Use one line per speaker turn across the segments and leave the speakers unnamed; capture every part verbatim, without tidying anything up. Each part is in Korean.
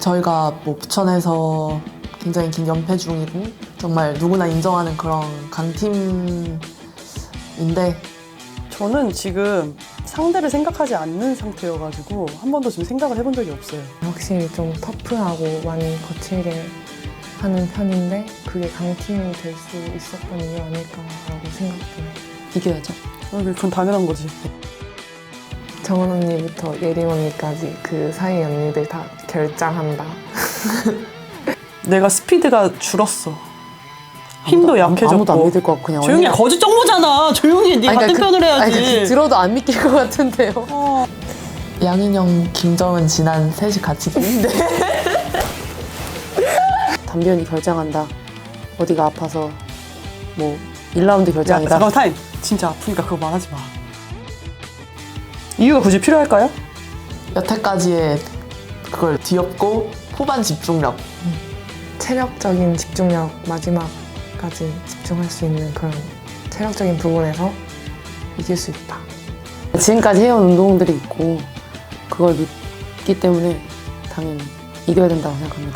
저희가 뭐 부천에서 굉장히 긴 연패 중이고 정말 누구나 인정하는 그런 강팀인데
저는 지금 상대를 생각하지 않는 상태여가지고 한 번도 지금 생각을 해본 적이 없어요.
확실히 좀 터프하고 많이 거칠게 하는 편인데 그게 강팀이 될 수 있었던 이유 아닐까라고 생각해요.
이겨야죠.
그건 당연한 거지.
정은 언니부터 예림 언니까지 그 사이 언니들 다 결장한다.
내가 스피드가 줄었어. 힘도 약해졌고.
아무도 안 믿을 것 같고 그냥
조용히 해.
언니가-
거짓 정보잖아. 조용히 해. 네
아니,
같은
그러니까
편을 해야지.
아니, 그러니까 들어도 안 믿길 것 같은데요.
어.
양인영, 김정은, 진한 셋이 같이 뛰는데
담비언이 결장한다. 어디가 아파서 뭐 일 라운드
야,
결장이다.
잠깐 타임. 진짜 아프니까 그거 말하지 마. 이유가 굳이 필요할까요?
여태까지의 그걸 뒤엎고 후반 집중력.
체력적인 집중력 마지막까지 집중할 수 있는 그런 체력적인 부분에서 이길 수 있다.
지금까지 해온 운동들이 있고 그걸 믿기 때문에 당연히 이겨야 된다고 생각합니다.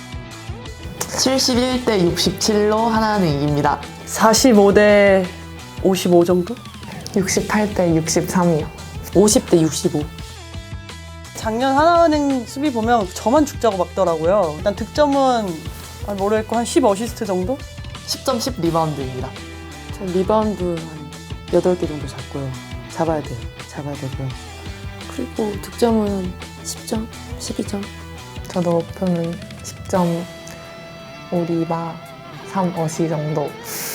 칠십일 대 육십칠로 하나는 이깁니다.
사십오 대 오십오 정도?
육십팔 대 육십삼이요.
오십 대 육십오.
작년 하나은행 수비 보면 저만 죽자고 막더라고요. 일단 득점은 아, 모르겠고 한 십 어시스트 정도?
십 점 십 리바운드입니다.
저 리바운드 한 여덟 개 정도 잡고요. 잡아야 돼요. 잡아야 되고요. 그리고 득점은 십 점, 십이 점.
저도 목표는 십 점 오 리바 삼 어시 정도.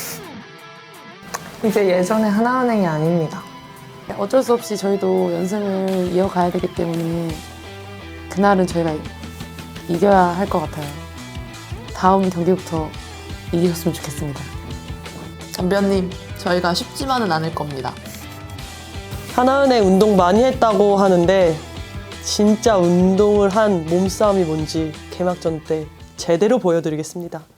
이제 예전에 하나은행이 아닙니다.
어쩔 수 없이 저희도 연승을 이어가야 되기 때문에 그날은 저희가 이겨야 할 것 같아요. 다음 경기부터 이기셨으면 좋겠습니다.
담비언님, 저희가 쉽지만은 않을 겁니다.
하나은행 운동 많이 했다고 하는데 진짜 운동을 한 몸싸움이 뭔지 개막전 때 제대로 보여드리겠습니다.